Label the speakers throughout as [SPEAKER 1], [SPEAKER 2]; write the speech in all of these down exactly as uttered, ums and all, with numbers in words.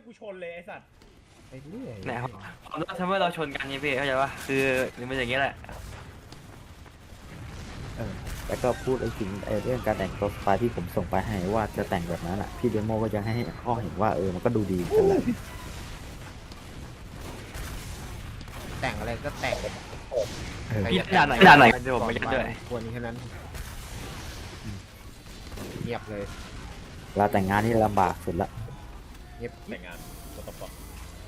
[SPEAKER 1] กูชนเลยไอ้สัตว์
[SPEAKER 2] ไปเรื่อย
[SPEAKER 3] ไหนครับทำให้เราชนกันนี่พี่เข้าใจปะคือมันอย่างเงี้ยแหละ
[SPEAKER 4] เออแล้วก็พูดไอ้สิ่งไอ้เรื่องการแต่งตัวสไตล์ที่ผมส่งไปให้ว่าจะแต่งแบบนั้นอ่ะพี่เดโมก็ยังให้ข้อเห็นว่าเออมันก็ดูดีกันแหละ
[SPEAKER 2] แต่งอะไรก็แต่ง
[SPEAKER 4] เออ
[SPEAKER 3] พี่ด่านไหนด่านไหนเดี๋ยวผมไปยัดด้วย
[SPEAKER 2] ควรแค่นั้นเงียบเลย
[SPEAKER 4] เวลาแต่งงานนี่ลำบากสุดละ
[SPEAKER 2] เงียบ
[SPEAKER 1] แต่งงานตัวตบปะ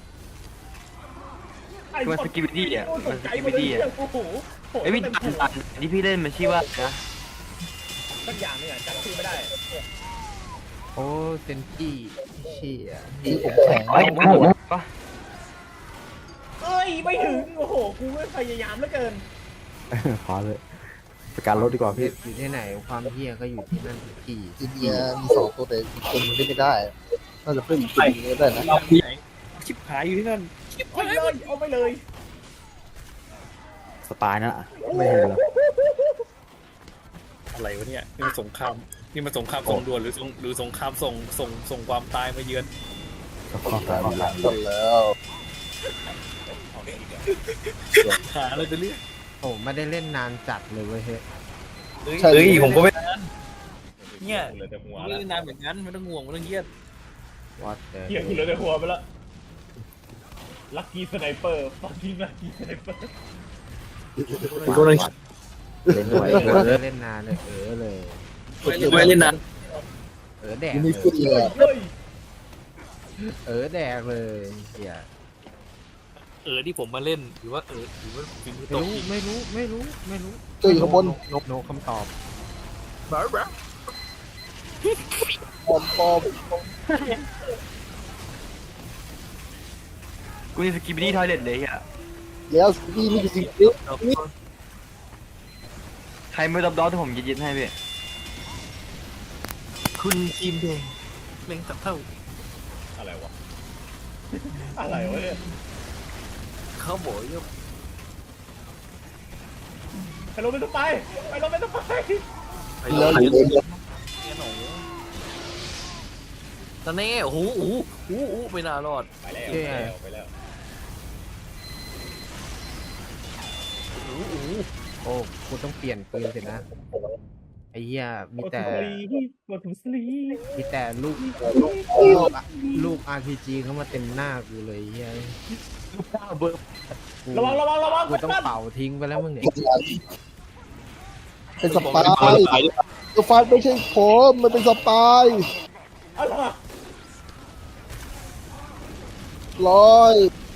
[SPEAKER 3] คือมันสกิปปี้อ่ะมันสกิปปี้อ่ะ
[SPEAKER 1] โอ้โห
[SPEAKER 3] ไอ้พี่ด่านที่พี่เล่นมันชื่อว่านะ
[SPEAKER 1] สักอย่างนึงอ่ะจำชื่อไม่ได้
[SPEAKER 2] โอ้เซนจี้เชี่ย
[SPEAKER 5] ที่ผมแข็ง
[SPEAKER 3] ไอ้ผมปะ
[SPEAKER 1] เอ้ยไม่ถึงโอ้โหกูไม่พยายามเหลือเกิน
[SPEAKER 4] เออพอเลยประกันรถดีกว่าพี่
[SPEAKER 2] อยู่ที่ไหนความเฮียก็อยู่ที่นั่นทุกที่
[SPEAKER 5] อินเดียมีสองตัวแต่อีกคนนึงเล่นไม่ได้น่าจะเพิ่มอีกตัวนึงได้นะ
[SPEAKER 6] ชิบหายอยู่ที่นั่น
[SPEAKER 1] เอาไปเลยเอาไปเลย
[SPEAKER 4] สไตล์นั่นอะไม่เห็นเหรอ
[SPEAKER 6] อะไรวะเนี่ยนี่มันสงครามนี่มันสงครามส่งด่วนหรือสงหรือสงครามส่งส่งส่งความตายมาเยือน
[SPEAKER 4] ก็ข้อตายหลัง
[SPEAKER 5] หมดแล้ว
[SPEAKER 6] หาอะไรไปเรื่อย
[SPEAKER 2] โอ้ไม่ได้เล่นนานจัดเลยเว้ยเฮ้ย
[SPEAKER 5] ใช่
[SPEAKER 6] เฮ้ยผมก็ไม่เนี่ย
[SPEAKER 1] เหลือแต่หัว
[SPEAKER 6] ไม่
[SPEAKER 1] แล้ว
[SPEAKER 6] ได้นานแบบนั้นไม่ต้องห่วงไม่ต้องเครียด
[SPEAKER 2] วัดเด
[SPEAKER 1] เหี้ยกูเหลือแต่หัวไปละลัคกี้สไนเปอร์ฟังกิ้งลัคกี้สไนเปอร์
[SPEAKER 6] ผมก็เลย
[SPEAKER 4] เล่นด้วย
[SPEAKER 2] เออเล่นนานเลยเออเลย
[SPEAKER 6] ไม่เล่นนาน
[SPEAKER 2] เออแดก
[SPEAKER 5] ยัง
[SPEAKER 2] เล
[SPEAKER 5] มี
[SPEAKER 2] ย
[SPEAKER 5] ฟุตเลยอะ
[SPEAKER 1] เฮ้ย
[SPEAKER 2] เออแดกเลยเฮีย
[SPEAKER 6] เออที่ผมมาเล่นหรือว่าเออหรือว่าฟิล์ม
[SPEAKER 2] ไม่
[SPEAKER 6] ตก
[SPEAKER 2] รู้ไม่รู้ไม่รู้ไม่รู้
[SPEAKER 5] เจออยู่ข้างบน
[SPEAKER 2] นกนกคำตอบ
[SPEAKER 6] บ้าบ้า
[SPEAKER 5] ปอมปอม
[SPEAKER 3] กูนี่สกิปปี้ทอยเล็ตเลยอ่ะ
[SPEAKER 5] แล้วพี่นี่คือสิ่งเดียว
[SPEAKER 3] ใครไม่รับดอที่ผมยึดๆให้พี่
[SPEAKER 6] คุณทีมแดงเล่งสับเท่า
[SPEAKER 1] อะไรวะอะไรวะเนี่ย
[SPEAKER 6] เขาบอกว่า
[SPEAKER 1] ไปลงไปต้องไปไปลงไปต้องไป
[SPEAKER 6] ไป
[SPEAKER 5] แล้
[SPEAKER 6] แล้ว ว
[SPEAKER 5] อยู่เลย
[SPEAKER 6] เนี่ยหนูตอนนี้โอ้โหโอ้โหโอ้โหไม่น่ารอด
[SPEAKER 1] ไปแล้วไปแล้วไปแล้ว
[SPEAKER 6] โอ้โหโอ้โห
[SPEAKER 2] โอ้กูต้องเปลี่ยนปืนสินะไอ้เหี้ยมีแต่
[SPEAKER 1] กดถุงสลี
[SPEAKER 2] มีแต่ลูกลูก อาร์ พี จี เข้ามาเต็มหน้ากูเลยเหี้ยกู
[SPEAKER 1] ระวังระวังระวัง
[SPEAKER 2] กูต้องเป่าทิ้งไปแล้วมึงเนี่ย
[SPEAKER 5] เป็นสปายตัวฟาดไม่ใช่ผมมันเป็นสปาย
[SPEAKER 1] อะไร
[SPEAKER 5] ร้อย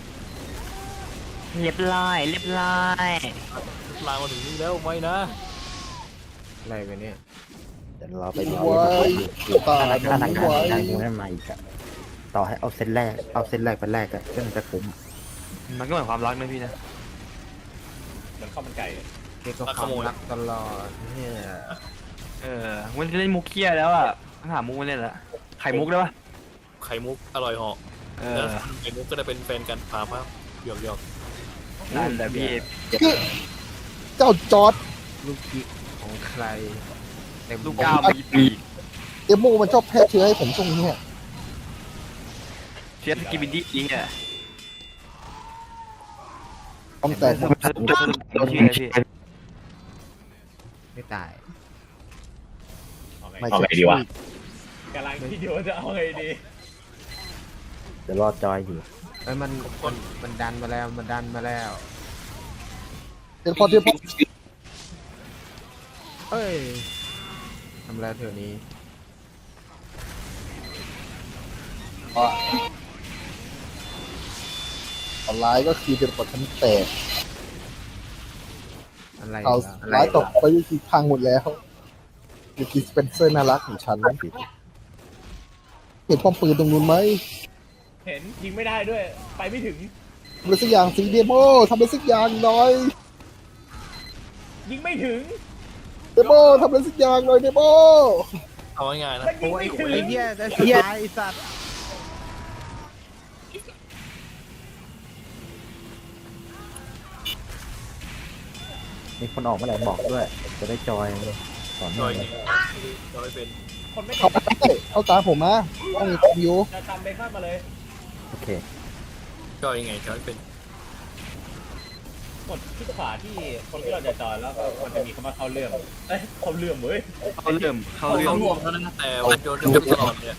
[SPEAKER 3] เรียบร้อยเรียบร้อย
[SPEAKER 6] ลางมาถึงนี่แล้วไม่นะ
[SPEAKER 2] อะไรไปเนี่ย
[SPEAKER 4] เดี๋ยวเราไปดู
[SPEAKER 5] ไว้ตา
[SPEAKER 4] ถ้าถ้าทาง
[SPEAKER 5] น้ำ
[SPEAKER 4] การ
[SPEAKER 5] ไว้
[SPEAKER 4] ได้มูนั่นมาอีกอะต่อให้เอาเส้นแรกเอาเส้นแรกไปแรกอะก็มันจะคุ้ม
[SPEAKER 3] มันก็เหมือนความรักนะพี่นะ
[SPEAKER 1] เหมือนข้าวมันไก่
[SPEAKER 2] เด็กก็ความรักตลอดเนี่ย
[SPEAKER 3] เออมันเล่นมุกเคียแล้วอ่ะต้องหามุกมาเล่นละไข่มุกได้ปะ
[SPEAKER 6] ไข่มุกอร่อยเหาะ
[SPEAKER 3] เอ
[SPEAKER 6] แล้ว
[SPEAKER 3] อ
[SPEAKER 6] ไข่มุกก็จะเป็นแฟนกันพามาหยอกหยอก
[SPEAKER 3] นั่นแหละพี่
[SPEAKER 5] เจ้าจอร์ด
[SPEAKER 2] ลูกกิ๊กของใครเต็ม
[SPEAKER 3] ลูกก้าวมีปีก
[SPEAKER 5] เอโมมันชอบแพ้เชื้อให้ผมช่วงนี้อะ
[SPEAKER 3] เชียร์สกิปปี้จริงอ่ะ
[SPEAKER 5] ต้องแต่
[SPEAKER 3] สรุปสรุปสรุปสรุปชื่ออะไรพี่
[SPEAKER 2] ไม่ตาย
[SPEAKER 1] เอาไง
[SPEAKER 5] ไม่
[SPEAKER 1] เอา
[SPEAKER 5] ใช่
[SPEAKER 1] ไงดีวะกำลังคิดอยู่ว่าจะเอาไงดี
[SPEAKER 4] เดี๋ยวรอจอยอยู่
[SPEAKER 2] ไอ้ยมันมันมันดันมาแล้วมันดันมาแล้ว
[SPEAKER 5] เดี๋ยวพอเดี๋ยวพอ
[SPEAKER 2] เฮ้ยทำอะไรเถอะนี้
[SPEAKER 5] ออนไลน์ก็คือเป็นปฐมแตก
[SPEAKER 2] อะไร
[SPEAKER 5] เอา
[SPEAKER 2] เหรออะไร
[SPEAKER 5] ร้าย
[SPEAKER 2] เห
[SPEAKER 5] ต
[SPEAKER 2] ร
[SPEAKER 5] ก
[SPEAKER 2] อ
[SPEAKER 5] ไปวิธีพังหมดแล้ววิธีสเปนเซอร์น่ารักของฉันเห็นป้อมปืนตรงนู้นไหม
[SPEAKER 1] เห็นยิงไม่ได้ด้วย ไปไม่ถึง
[SPEAKER 5] ทำอะไรสักอย่างสีเดโมทำอะไรสักอย่างหน่อย
[SPEAKER 1] ยิงไม่ถึง
[SPEAKER 5] เดโมทำอะไรสักอย่างหน่อยเดโม
[SPEAKER 6] เอาง่ายๆนะ
[SPEAKER 1] มันยิงไม่ถึง
[SPEAKER 2] ไอ้เหี้ยจะตายไอ้สัตว์
[SPEAKER 4] มีคนออกมาไหนบอกด้วย จะได้จอยเลยสอนห
[SPEAKER 6] จ
[SPEAKER 4] น่
[SPEAKER 6] อ
[SPEAKER 4] อย ย
[SPEAKER 6] ไงจอยเป็น
[SPEAKER 1] คนไม่
[SPEAKER 5] เข้าไปได้เข้าตามผมมาต้องมีคอมอยู่
[SPEAKER 1] จะตามเบคอนมาเลย
[SPEAKER 4] โอเค
[SPEAKER 6] จอยยังไงจอยเป็น
[SPEAKER 1] กดที่ขวาที่คนที่เราจะจอยแล้วก็มันจะมีคำว่าเข้าเรื่องเอ้ยเข้าเรื่องเว้ย
[SPEAKER 3] เขาเริ่มเขา
[SPEAKER 6] เขา
[SPEAKER 3] เริ่ม
[SPEAKER 6] รวมแล้วนะแต่วันโยนโยนตลอดเนี่ย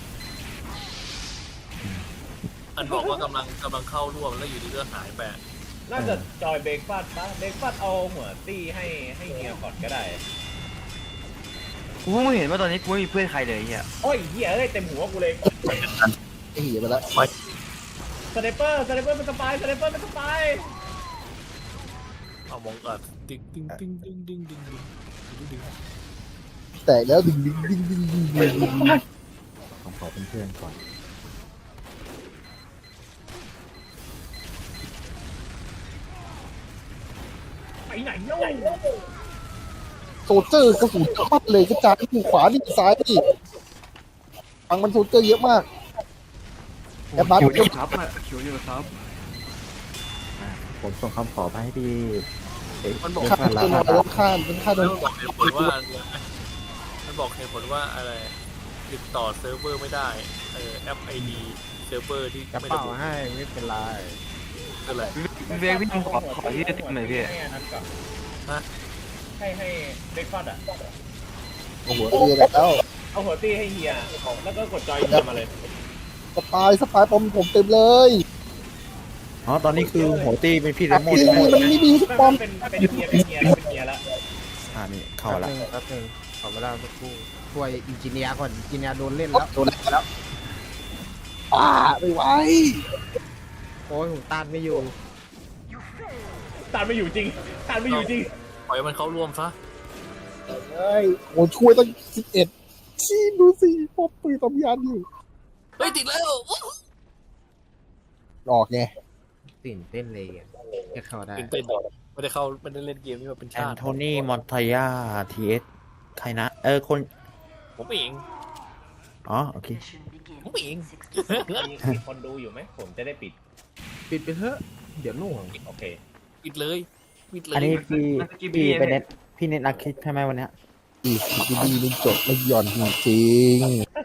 [SPEAKER 6] อันบอกว่ากำลังกำลังเข้าร่วมแล้วอยู่ดีก็หายไป
[SPEAKER 1] น่าจะจอยเบรกฟาดปะเบรกฟาดเอาหัวตี้ให้ให้เฮียก่อนก็ได้
[SPEAKER 3] กูเพิ่งเห็นว่าตอนนี้กูไม่มีเพื่อนใครเลยเฮีย
[SPEAKER 1] โอ้ยเฮียเอ้ยเต็มหัวกูเลย
[SPEAKER 5] ไอ้เหี้ยไปแล้ว
[SPEAKER 1] สไนเปอร์สไนเปอร์เป็นสปายสไนเปอร์เป็นสปาย
[SPEAKER 6] เอามองอัดติ๊งติ๊งติ๊งติ๊งติ๊งติ๊งติ๊งติ๊ง
[SPEAKER 5] แตกแล้วดึงดึงดึงดึงดึงดึงดึง
[SPEAKER 4] ผมขอเป็นเพื่อนก่อน
[SPEAKER 1] ไปไหนโย่
[SPEAKER 5] โซเจอร์กระสุนเข้าเลยกระจายที่ขวานี่ซ้ายนี่ฟังมันโซเจอร์เยอะมากแอบบัส
[SPEAKER 3] คิวอยู่ครับอะคิวอยู่ครับ
[SPEAKER 4] อ่ะผมส่งคำขอไปให้พี่เอ๊ะ
[SPEAKER 6] มันบอก
[SPEAKER 5] ข้าม
[SPEAKER 4] แล้
[SPEAKER 5] เป็น
[SPEAKER 4] ว
[SPEAKER 5] อะไรข้ามเป็นข้าม
[SPEAKER 6] แล้
[SPEAKER 5] เป็
[SPEAKER 6] วน มันบอกเหตุผลว่ามันบอกเหตุผลว่าอะไรติดต่อเซิร์ฟเวอร์ไม่ได้เออแอปไอดีเซิร์ฟเวอร์ที่
[SPEAKER 2] กระ
[SPEAKER 6] ไม่
[SPEAKER 2] เป๋า
[SPEAKER 6] ระบุ
[SPEAKER 2] ให้ไม่เป็นไร
[SPEAKER 6] คืออะไร
[SPEAKER 3] พี่เบกพี่ขอขอที่จะติดหน่อยพี่
[SPEAKER 1] ให้อันนั้นก่อน
[SPEAKER 6] ฮะ
[SPEAKER 1] ให้ให้เบรกฟาดอ่ะ
[SPEAKER 5] โอ้โหเรียแล้ว
[SPEAKER 1] เอาหัวตี้ให้เฮียแล้วก็กดจอยเฮียมาเลย
[SPEAKER 5] สปายสปายปอมผมเต็มเลย
[SPEAKER 4] อ๋อตอนนี้คือหัวตีเป็นพี่เรโม
[SPEAKER 5] นี่
[SPEAKER 4] ใช่ไหม
[SPEAKER 5] มันไม่มีสปอม
[SPEAKER 1] เป็นเป็นเฮียเป็นเฮียเป็นเฮียแล้ว
[SPEAKER 4] อ่านี่เข้า
[SPEAKER 2] แป๊บ
[SPEAKER 4] ละ
[SPEAKER 2] นึงแป๊บนึงขอเวลาสักครู่ช่วยอินจิเนียร์ก่อนอินจิเนียร์โดนเล่นแล้ว
[SPEAKER 5] โดนแล้วป้าไม่ไหว
[SPEAKER 2] โอ้ยผมต้านไม่อยู่
[SPEAKER 1] ตานไม่อยู่จริงตานไม่อยู่จริง
[SPEAKER 6] ปล่อยมันเข้าร่วมซะ
[SPEAKER 5] เฮ้ยโอ้ช่วยตั้งสิบเอ็ดชี้ดูสิพบปืนตำยานอยู่
[SPEAKER 6] เฮ้ยติดแล้ว
[SPEAKER 5] ออกไง
[SPEAKER 2] ตื่นเต้นเลยอ่ะจะเข้าได้
[SPEAKER 6] ตื่นเต้นไม่ได้เข้าไม่ได้เล่นเกมนี้มาเป็น
[SPEAKER 4] แอ
[SPEAKER 6] ชาน ติ
[SPEAKER 4] โทนีมอนทายาทีเอสใครนะ เออคน
[SPEAKER 6] ผมเอง
[SPEAKER 4] อ๋อโอเค
[SPEAKER 6] ผมเอง
[SPEAKER 1] มีคนดูอยู่ไหมผมจะได้ปิด
[SPEAKER 2] ปิดไปเถอะเดี๋ยวหน่วง
[SPEAKER 1] โอเค
[SPEAKER 6] ปิดเลยปิดเลย
[SPEAKER 4] อันนี้พี่พี่ไปเน็ตพี่เน็ตนักคิดใช่ไหมวันเนี้ย
[SPEAKER 5] อีกดีดีมันจบไม่หย่อนจริง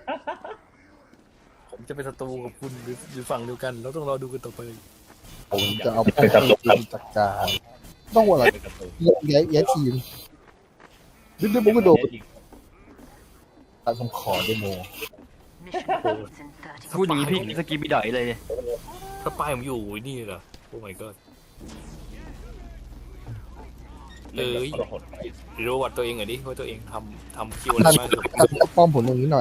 [SPEAKER 6] ผมจะเป็นศัตรูกับคุณหรือหรือฝั่งเดียวกันเราต้องรอดูกันต่อไป
[SPEAKER 5] ๆผมจะเอาไปจัดการต้องว่าอะไร
[SPEAKER 1] เป็นกระตุก
[SPEAKER 5] แย้แย้ทีมดึงดึงผมก็โดนตัดผมขอเดโม
[SPEAKER 3] พูดอย่างนี้พี่สกีบีดอยเลย
[SPEAKER 6] ถ้าป้ายผมอยู่นี่เหรอโอ้ my god เอ้ยรู้วัดตัวเองหน่อยดิว่าตัวเองทำทำคิวอะไร
[SPEAKER 5] ท่าน
[SPEAKER 6] บ้าง
[SPEAKER 5] ท่านป้อมผมตรงนี้หน่อย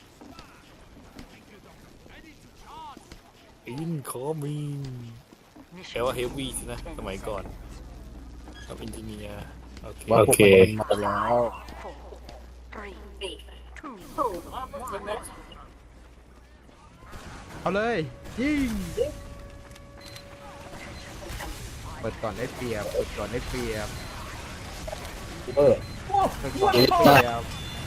[SPEAKER 6] อินคอมิงแปลว่าเฮฟวี่สินะสมัยก่อนกับอินจิเนียร์โอเค
[SPEAKER 5] ว่าพวกมันมาแล้ว
[SPEAKER 2] เอาเลยยิงเปิดก่อนได้เปรียบเปิดก่อนได้เปรียบ
[SPEAKER 5] เออ
[SPEAKER 2] เปิดก่อนได้เปรียบ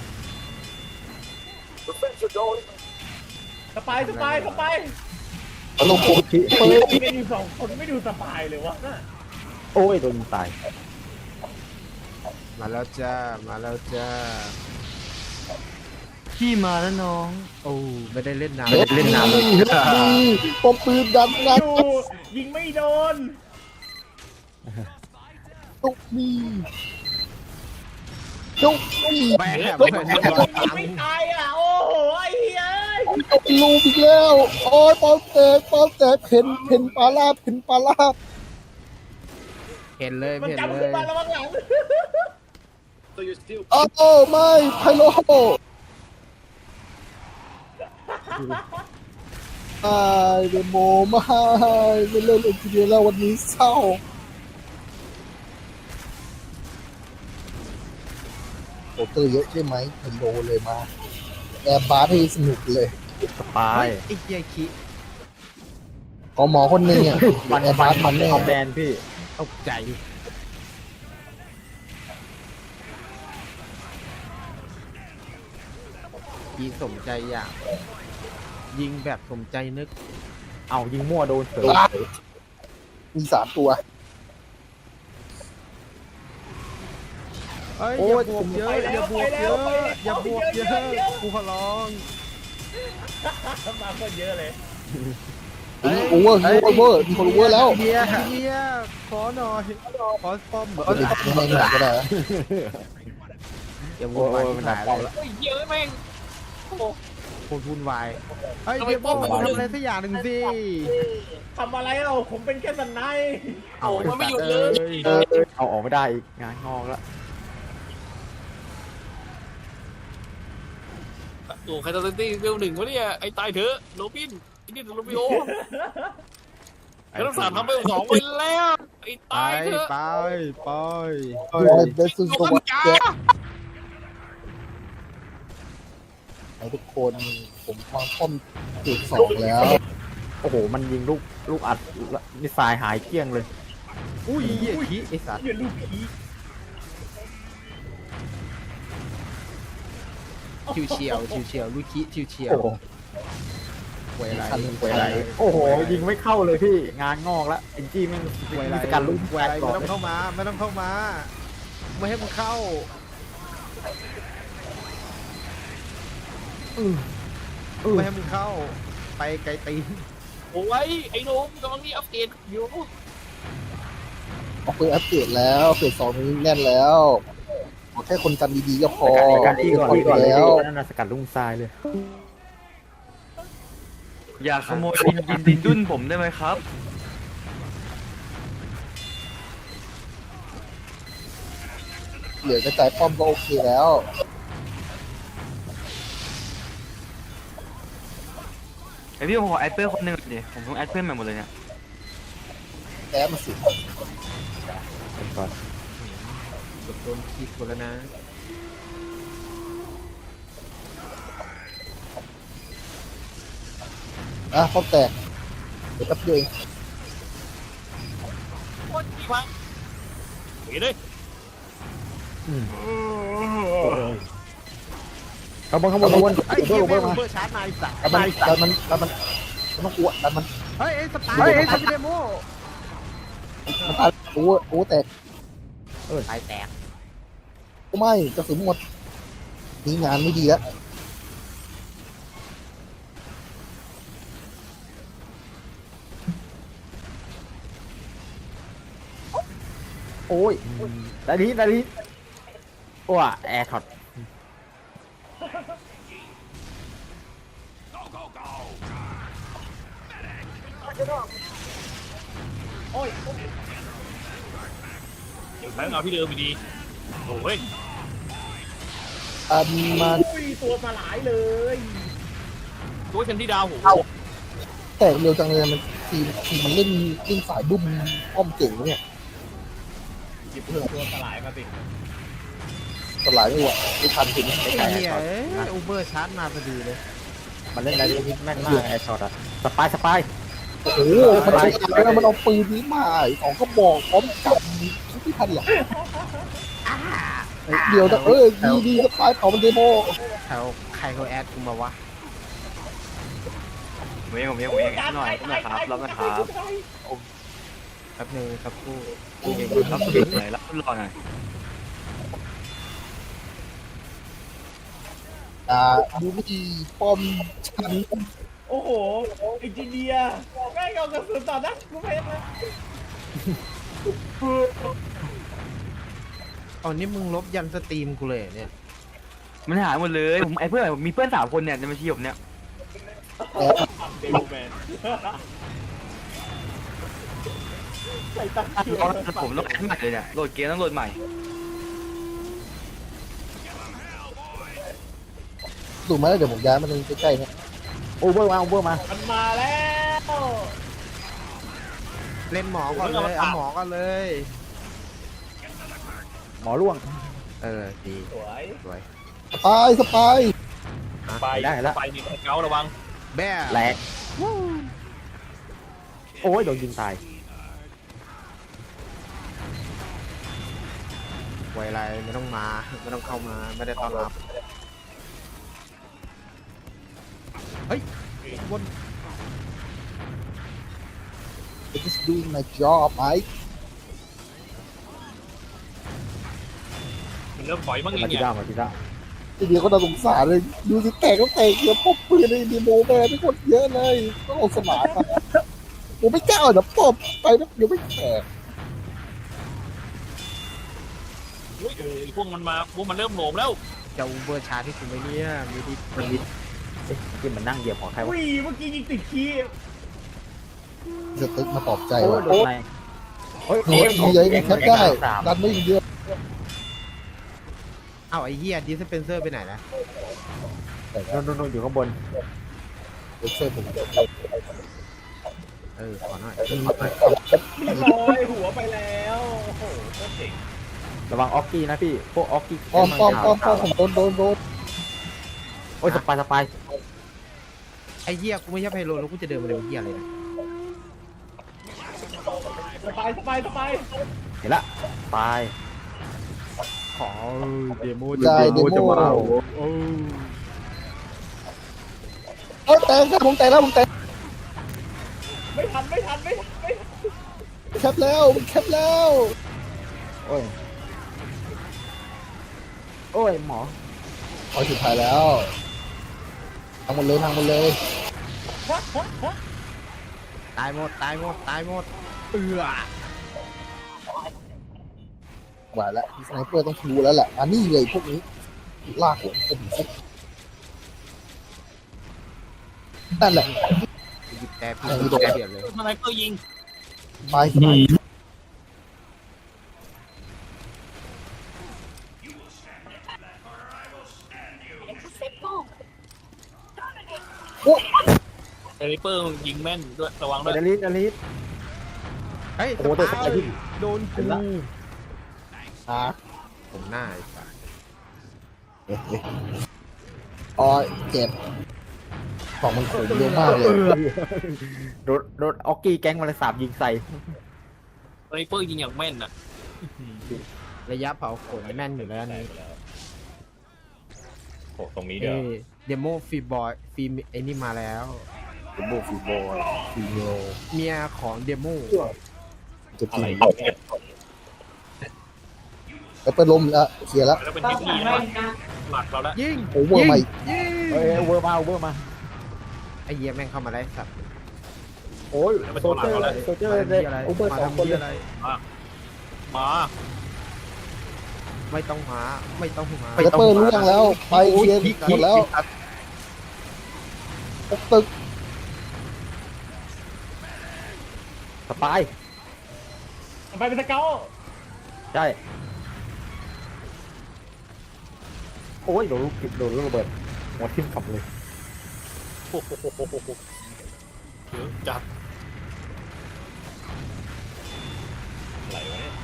[SPEAKER 1] สปายสปายสปาย
[SPEAKER 5] เอาลงผมเปิด
[SPEAKER 1] มีกันอยู่สองคนไม่ดูสปายเลยวะ
[SPEAKER 4] โอ้ยโดนตาย
[SPEAKER 2] มาแล้วจ้ามาแล้วจ้า
[SPEAKER 3] พี่มาแล้วน้อง
[SPEAKER 2] โอ้ไม่ได้เล่นน้ำ
[SPEAKER 4] ไม่ได้เล่นน้ำเลย
[SPEAKER 5] เฮ็ดดีป้อมปืนดันนะ
[SPEAKER 1] ดูยิงไม่โดน
[SPEAKER 5] ตุกมีตุกมี
[SPEAKER 2] แบก
[SPEAKER 5] ตุก
[SPEAKER 2] เหมือน
[SPEAKER 5] มี
[SPEAKER 2] กัน
[SPEAKER 1] ยิงไม่ตายอ่ะโอ้โหไอ้เหี้ย
[SPEAKER 5] ตุกลูกอีกแล้วโอ้ยป้อมแตกป้อมแตกเพ่นเพ่นปลาลาบเพ่นปลาลาบ
[SPEAKER 2] เห็นเลย
[SPEAKER 1] มัน
[SPEAKER 2] เห็น
[SPEAKER 1] จำ
[SPEAKER 2] เล
[SPEAKER 1] ขึ้น
[SPEAKER 2] ย
[SPEAKER 1] มาแล้วมันหลัง
[SPEAKER 5] โอ้ไม่ไพโลไม่เดโมไม่ไม่เล่นเอ็นจิเนียร์แล้ววันนี้เศร้าโอเตอร์เยอะใช่ไหมไพโลเลยมาแอร์บาร์ให้สนุกเลย
[SPEAKER 4] สปาย
[SPEAKER 2] ไอ้เหี้ยคิ
[SPEAKER 5] ขอหมอคนหนึ่งอ่ะวันแอร์บาร์มันแน่
[SPEAKER 4] เอาแบนพี่
[SPEAKER 2] ตกใจยิงสมใจอยากยิงแบบสมใจนึก
[SPEAKER 4] เอายิงมั่วโดนเฉย
[SPEAKER 5] มีสามตัว
[SPEAKER 2] เอ้ยอย่าบวกเยอะอย่าบวกเยอะอย่าบวกเยอะกูขอร้อง
[SPEAKER 1] มาคนเยอะเลย
[SPEAKER 5] เฮ้ยโอเวอร์โอเวอร์มีคนโอเวอร์แล้ว
[SPEAKER 2] เฮียเฮียขอหน่อยขอป้อม
[SPEAKER 5] เดี๋ยวไม่ไม่ไม่ก็ได้
[SPEAKER 2] อย่าวุ่นวายที่หายเลย
[SPEAKER 6] เฮ้ยเยอะแม่ง
[SPEAKER 2] คนวุ่นวายเฮ้ย
[SPEAKER 6] ทำไม
[SPEAKER 2] เดี๋ยว
[SPEAKER 6] ป้อม
[SPEAKER 2] มึ
[SPEAKER 6] มัน
[SPEAKER 2] ง
[SPEAKER 6] อยู่
[SPEAKER 2] ทำอะไรสักอย่างหนึ่งสิ
[SPEAKER 1] ทำอะไรเอ่ะผมเป็นแค่สันใน
[SPEAKER 6] โอ้มันไม่หยุดเลย
[SPEAKER 5] เออ
[SPEAKER 4] เอาออกไม่ได้อีกงานงอกแล้ว
[SPEAKER 6] โอ้ใครตอนตี้เวลหนึ่งวะเนี่ยไอ้ตายเถอะโรบินไอ้นี่โรบิโอแล้วต้องสามทำไปสองไปแล้วไอ้
[SPEAKER 2] ไป
[SPEAKER 6] ตายเถอะ
[SPEAKER 2] ไปไป
[SPEAKER 5] ดูไอ้เบสซู
[SPEAKER 6] โอ้
[SPEAKER 5] โซ
[SPEAKER 6] ย
[SPEAKER 5] วัต
[SPEAKER 6] จ้า
[SPEAKER 5] ไอ้ทุกคนผมวางป้อมจุดสองแล้ว
[SPEAKER 4] โอ้โหมันยิงลูกลูกอัดมิสไซล์หายเกลี้ยงเลย
[SPEAKER 2] อุ้ยเหี้ยขี้ไอสัตว์
[SPEAKER 1] เหี้ยลูกผี
[SPEAKER 2] ชิวเชียวชิวเชียวลูกขี้ชิวเชียว
[SPEAKER 4] โอ้โห
[SPEAKER 2] หวยไร
[SPEAKER 5] คันหนึ่ง
[SPEAKER 2] หวยไร
[SPEAKER 4] โอ้โหยิงไม่เข้าเลยพี่งานงอกแล้วเอ็นจี้แม่ง
[SPEAKER 2] หวยไร
[SPEAKER 4] มีสกัดลูก
[SPEAKER 2] หวยไร
[SPEAKER 4] ก่
[SPEAKER 2] ไม่
[SPEAKER 4] อน
[SPEAKER 2] ต้องเข้ามาไม่ต้องเข้ามาไม่ให้มึงเข้าไม่ให้มึงเข้า ไปไกลตีน
[SPEAKER 6] โอ้ยไอ้โนมกำลังนี่อัปเดตอยู่
[SPEAKER 5] เอาปืนอัปเกรดแล้วเฟสสองนี้แน่นแล้วขอแค่คนกันดีๆก็พอ
[SPEAKER 4] สกัดที่ก่อนที่ก่อนเลย
[SPEAKER 5] แล้ว
[SPEAKER 4] พี่นั่นน่ะสกัดลูกทรายเลย
[SPEAKER 3] อย่าขโมยดินดินดินดุนผมได้ไหมครับ
[SPEAKER 5] เหลือกระจายป้อมก็โอเคแล้ว
[SPEAKER 3] ไอพี่ผมขอแอดเพื่อนคนหนึ่งดิผมต้องแอดเพื่อนใหม่หมดเลยเนี่ย
[SPEAKER 5] แอบมาสิ
[SPEAKER 4] ก่อน
[SPEAKER 2] กดโดนคิดคนแล้วนะ
[SPEAKER 5] อ่ะป้อมแตกเดี๋ยวแป๊บเดียวเอง
[SPEAKER 6] โอ้ยดีมากเฮ้ยเลย
[SPEAKER 5] ขบวนขบวนขบวน
[SPEAKER 2] ไอ้
[SPEAKER 5] เดี๋ยว
[SPEAKER 2] เหี้ย
[SPEAKER 5] เพิ่ม
[SPEAKER 2] แม่ง
[SPEAKER 5] มา
[SPEAKER 2] เบอร์ชาร์จนายสัตว์
[SPEAKER 5] ดันมันดันมันดันมันมันต้องกลัวดันมัน
[SPEAKER 2] เฮ้ยไอ้สไตล์ไอ้สเดโม
[SPEAKER 5] มันตายโอ้โหโอ้โหแตก
[SPEAKER 2] เออตายแตก
[SPEAKER 5] ไม่กระสุนหมดนี่งานไม่ดีแล้ว
[SPEAKER 4] โอ้ยดาลีดาลีว้าแอร์ช็อต
[SPEAKER 6] แม่งเอาพี่เดิมดีโอ้ย
[SPEAKER 5] อันมา
[SPEAKER 1] อุ้ยตัวสลายเลย
[SPEAKER 6] ตัวฉันที่ดาวโห
[SPEAKER 5] แตกเร็วจังเลยมันทีมทีมมันเล่นเล่นสายบุ้มป้อมเก่งนะเนี่ย
[SPEAKER 1] หยิบเพื่อตัวสลายมาสิ
[SPEAKER 5] สลายไม่ไหวไม่ทันถึง
[SPEAKER 2] ไอ้เหี้ยเอ้ยอูเบอร์ชาร์จมาพอดีเลย
[SPEAKER 4] มันเล่นดาลีฮิตแม่นมากแอร์ช็อตอะสปายสปาย
[SPEAKER 5] โอ้โหมันใช้แล้วมันเอาปืนนี้มาสองก็บอกพร้อมกับที่ทันหลังเดี๋ยวนะเออดีดีสปายเผามันเดโม
[SPEAKER 2] แถวใครเขาแอดกูมาวะ
[SPEAKER 3] ผมเองผมเองผมเองแอดหน่อยรับหน่อยครับรับหน่อยครับ
[SPEAKER 2] แป๊บนึงครับกู
[SPEAKER 3] รับสุดหน่อยรับสุดรอหน่อย
[SPEAKER 5] อ่าดูวิธีป้อมชั้น
[SPEAKER 1] โอ้โหไอ้จีเนียแม่งเอากระสุนต่อหน้ากูเพชรเลย
[SPEAKER 2] อ๋อนี่มึงลบยันสตรีมกูเลยเนี่ย
[SPEAKER 3] มันหายหมดเลยผมไอเพื่อนผมมีเพื่อนสามคนเนี่ยในบัญชีผมเนี่ย
[SPEAKER 1] เดลแมนใส่ตั้งคิว
[SPEAKER 3] ผมต้องแอดใหม่เลยเนี่ยโหลดเกมต้องโหลดใหม่
[SPEAKER 5] ดูมาแล้วเดี๋ยวผมย้ายมาตรงใกล้ๆเนี่ย
[SPEAKER 4] โอเวอร์มาโอเวอร์มา
[SPEAKER 1] มันมาแล้ว
[SPEAKER 2] เล่นหมอก่อนเลยเอาหมอก่อนเลย
[SPEAKER 4] หมอร่วง
[SPEAKER 2] เออดี
[SPEAKER 1] สวย
[SPEAKER 2] สวย
[SPEAKER 5] สปายสปาย
[SPEAKER 6] ไป
[SPEAKER 4] ได้แล้ว
[SPEAKER 6] ไปนี่เการะวัง
[SPEAKER 2] แบ่
[SPEAKER 4] แหลกโอ้ยโดนยิงตาย
[SPEAKER 2] ไวไรไม่ต้องมาไม่ต้องเข้ามาไม่ได้ต้อนรับเฮ้ยบน
[SPEAKER 5] I'm just doing my job Mike
[SPEAKER 6] มันเริ่มถอยบ้างไง
[SPEAKER 4] มาจิ
[SPEAKER 6] เนี่ย
[SPEAKER 4] ด้ามาจิด้า
[SPEAKER 5] ทีเดียวก็น่าสงสารเลยดูสิแตกก็แตกเยอะพวกปืนในดีโมแม่ทุกคนเยอะเลยต้องเอาสมานมาผมไม่กล้าเดี๋ยวปอบไปนะเดี๋ยวไม่แตก
[SPEAKER 6] อุ้ยเออพวกมันมาพวกมันเริ่มโหลมแล้ว
[SPEAKER 2] จะอูเบอร์ชาร์จที่คุณไปเนี่ยมีดิมันดิ
[SPEAKER 4] เอ๊ะที่มันนั่งเหยียบของใครวะ
[SPEAKER 1] อุ้ยเมื่อกี้ยิงติดขี้
[SPEAKER 5] สตึกมาปลอบใจ
[SPEAKER 4] โอ้
[SPEAKER 5] ว่ะ
[SPEAKER 4] โดนไหนโอ้ย
[SPEAKER 5] โอ้ยมีเยอะมีแคปได้ดันไม่เยอะ
[SPEAKER 2] เอ้าไอ้เหี้ยดิสเปนเซอร์ไปไหนนะ
[SPEAKER 4] โดนโดนโดนอยู่ข้างบน
[SPEAKER 5] เดี๋ยวช่วยผม
[SPEAKER 2] เออขอหน่อย
[SPEAKER 1] เรียบร้อยหัวไปแล้วโอ้โหโคตรเจ๋ง
[SPEAKER 4] ระวังออกกี้นะพี่พวกออกกี้
[SPEAKER 5] ป้อมป้อมป้อมป้อมผมโดนโดนโดน
[SPEAKER 4] โอ้ยสปายสปาย
[SPEAKER 2] ไอ้เหี้ยกูไม่ใช่ไพโลแล้วกูจะเดินมาเร็วเหี้ยอะไรนะ
[SPEAKER 1] สบายสบายสบาย
[SPEAKER 4] เห็นละตาย
[SPEAKER 2] ขอเดโม
[SPEAKER 5] ได้เดโม
[SPEAKER 2] โอ้
[SPEAKER 5] เออแตกครับผมแตกแล้วผมแตก
[SPEAKER 1] ไม่ทันไม่ทันไม่ทันไม่ทัน
[SPEAKER 5] แคปแล้วแคปแล้ว
[SPEAKER 4] โอ้ยโอ้ยหมอ
[SPEAKER 5] พอสุดท้ายแล้วทางหมดเลยทางหมดเลย
[SPEAKER 2] ตายหมดตายหมดตายหมดเอือ
[SPEAKER 5] หวานแล้วสไนเปอร์ต้องรู้แล้วแหละอันนี้เลยพวกนี้ลากหัวผมฟุกนั่นแหละ
[SPEAKER 2] หยิบแต่พี่
[SPEAKER 5] เออ
[SPEAKER 2] หยิบแต่เปลี่ยนเลย
[SPEAKER 6] สไนเปอร์ยิง
[SPEAKER 5] ไปไปโอ้
[SPEAKER 6] สไนเปอร์ยิงแม่นด้วยระวัง
[SPEAKER 4] เด
[SPEAKER 6] ด้วย
[SPEAKER 4] ลิสเดลิส
[SPEAKER 2] เฮ้ย
[SPEAKER 4] โอ้โหแต่สายที่
[SPEAKER 2] โดน
[SPEAKER 4] เห็
[SPEAKER 2] กู
[SPEAKER 4] นละ
[SPEAKER 5] อ่ะ
[SPEAKER 2] ผมหน้าไอ้สัส
[SPEAKER 5] เอ๊ะเอ๊ะอ๋อเจ็บของมันขมเยอะมากเลย
[SPEAKER 4] โดนโดนออกกี้แก๊งมาเลยสาบยิงใส่
[SPEAKER 6] สไนเปอร์ยิงอย่างแม่นอ่ะ
[SPEAKER 2] ระยะเผาขนแม่นอยู่แล้วอัน
[SPEAKER 1] ได้
[SPEAKER 2] นี้
[SPEAKER 1] ไปแล้วโอ้ตรงนี้
[SPEAKER 2] เอ
[SPEAKER 1] เดี๋ยว
[SPEAKER 2] เดโมฟีบอยฟีไอ้นี่มาแล้ว
[SPEAKER 5] ฟิโบฟิโบฟิโบ
[SPEAKER 2] เมียของเดโม
[SPEAKER 5] จะ
[SPEAKER 1] อะ
[SPEAKER 5] กิ
[SPEAKER 1] ไร
[SPEAKER 5] น
[SPEAKER 1] อยู่เนี่ย
[SPEAKER 5] แล้วไปล้มแล้วเคลียร์แล้ว
[SPEAKER 6] แล้วเป็นที่ดีนะหลักเราแล้ว
[SPEAKER 2] ยิง
[SPEAKER 5] โอเวอร์ใหม่
[SPEAKER 2] ยิง
[SPEAKER 4] เอ้ยเวอร์มาเวอร์มา
[SPEAKER 2] ไอ้เหี้ยแม่งเข้ามาได้สัตว์
[SPEAKER 4] โอ้ยโซเจอร์โซเจอร์
[SPEAKER 2] มา
[SPEAKER 4] เลย
[SPEAKER 2] ทำเหี้ยอะไร
[SPEAKER 4] โอเวอร์
[SPEAKER 2] มา
[SPEAKER 4] สอง
[SPEAKER 2] ทำ
[SPEAKER 4] คน
[SPEAKER 2] เหี้
[SPEAKER 4] เลย ย
[SPEAKER 2] อะไร
[SPEAKER 6] มา
[SPEAKER 2] ไม่ต้องหาไม่ต้องหา
[SPEAKER 5] แล้วเปิดล่วงแล้วไปเคลียร์หมดแล้วตึก
[SPEAKER 4] สปาย
[SPEAKER 1] ไปเป็นสเกล
[SPEAKER 4] ใช่โอ้ยโดนลูกโดนลูกระเบิดหัวทิ่มขับเลย
[SPEAKER 6] โอ้โหเยอะจัด
[SPEAKER 1] อะไรวะเนี่ย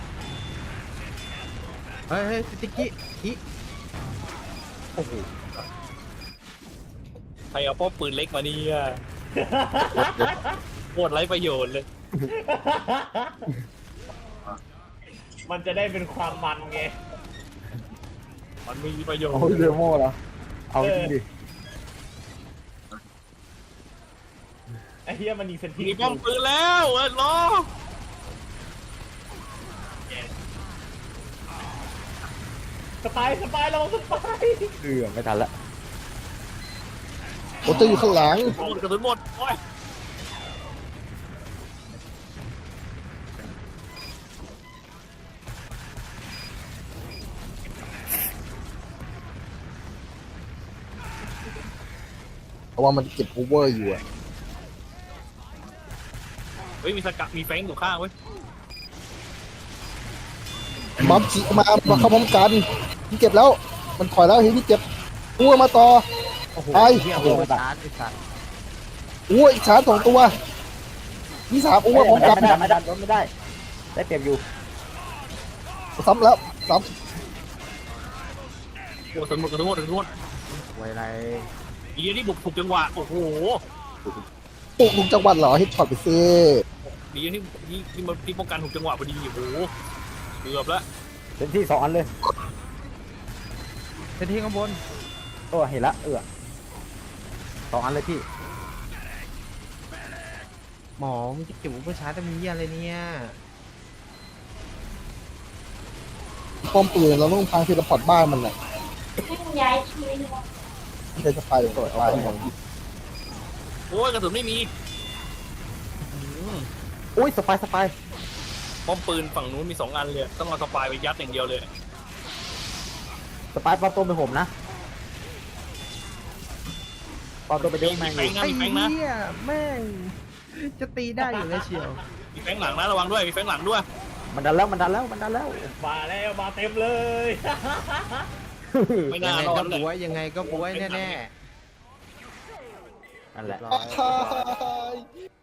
[SPEAKER 2] เฮ้ยเฮ้ยสติกกี้อีโอ้โห
[SPEAKER 6] ใครเอาป้อมปืนเล็กมาเนี่ยโคตรไร้ประโยชน์เลย
[SPEAKER 1] มันจะได้เป็นความมันไง
[SPEAKER 6] มันมีประโยชน์
[SPEAKER 4] โอ้ยเดโมเหรอเอาจริงดิ
[SPEAKER 1] ไอ้เหี้ยมันยิงเซนที
[SPEAKER 6] มีป้อมปืนแล้วเออรอ
[SPEAKER 1] สปายสปายเราสปาย
[SPEAKER 4] เอือไม่ทันละ
[SPEAKER 5] โอเตอร์อยู่ข้างหลัง
[SPEAKER 6] หมดกระสุนหมดโอ้ย
[SPEAKER 5] เพราะว่ามันเก็บโอเวอร์อยู่อะ
[SPEAKER 6] เฮ้ยมีสกัดมีแฟงอยู่ข้างเว้ย
[SPEAKER 5] มัมจีมามาเข้าพร้อมกันพี่เก็บแล้ว มันถอยแล้วเฮ้ยพี่เก็บอ้วมาต่อ
[SPEAKER 2] โอ้โห
[SPEAKER 5] ไป
[SPEAKER 2] เหี้ยโอ้โหชาร์จไอ้สัตว์
[SPEAKER 5] อ้วอีกชาร์จสองตัวนี่สามอ้วพร้อม
[SPEAKER 4] ไม่
[SPEAKER 5] กั
[SPEAKER 4] ได้
[SPEAKER 5] น
[SPEAKER 4] ไม่ได้ไม่ได้ไม่ได้ได้เปรียบอยู่
[SPEAKER 5] ซ้ำแล้วซ้
[SPEAKER 6] กระสุนหมดกระสุนหมดกระสุนหมด
[SPEAKER 2] ไวไร
[SPEAKER 6] อีนี่บุกถูกจังหวะโอ้โห
[SPEAKER 5] ำปุ๊กลุงจังหวัดเหรอเฮดช็อตไปซิ
[SPEAKER 6] ดีนี่นี่นี่มันที่ป้องกันถูกจังหวะพอดีโอ้โหเกือบแล้ว
[SPEAKER 4] เป็นที่สองอันเลย
[SPEAKER 2] เซนที่ข้างบน
[SPEAKER 4] โอ้เห็นละเอือสองอันเลยพี่
[SPEAKER 2] หมอมึงจะเก็บอุปชาร์จจะมีเหี้ยอะไรเนี่ย
[SPEAKER 5] ป้อมปืนเราต้องพังเทเลพอร์ตบ้านมันน่ะ
[SPEAKER 7] ย้ายทีนึง
[SPEAKER 5] ไม่ใช่สปายเลยสปายของ
[SPEAKER 6] โอ้ยกระสุนไม่มี
[SPEAKER 5] ม
[SPEAKER 4] อุ้ยสปายสปาย
[SPEAKER 6] ป้อมปืนฝั่งนู้นมีสองอันเลยต้องเอาสปายไปยัดอย่างเดียวเลย
[SPEAKER 4] สปายปลอมตัวเป็นผมนะปลอมตัวเป็นเด็กแมง
[SPEAKER 6] มี
[SPEAKER 4] อ
[SPEAKER 6] แฟ
[SPEAKER 4] ยู่
[SPEAKER 6] งนะ
[SPEAKER 2] ไอ้
[SPEAKER 6] มีแฟงนะ
[SPEAKER 2] เหี้ยแม่งจะตีได้อยู่แล้วเชียว
[SPEAKER 6] มีแฟงหลังนะระวังด้วยมีแฟงหลังด้วย
[SPEAKER 4] มันดันแล้วมันดันแล้วมันดันแล้ว
[SPEAKER 1] มาแล้วมาเต็มเลย
[SPEAKER 6] ไม่
[SPEAKER 2] ยั
[SPEAKER 6] น่าง
[SPEAKER 2] ไง
[SPEAKER 6] รอ
[SPEAKER 2] ก็
[SPEAKER 6] ดเล
[SPEAKER 2] บ
[SPEAKER 6] ย
[SPEAKER 2] วยยังไงก็บวยแน่
[SPEAKER 4] นั่นแหละ
[SPEAKER 2] ๆร้อย
[SPEAKER 5] ตาย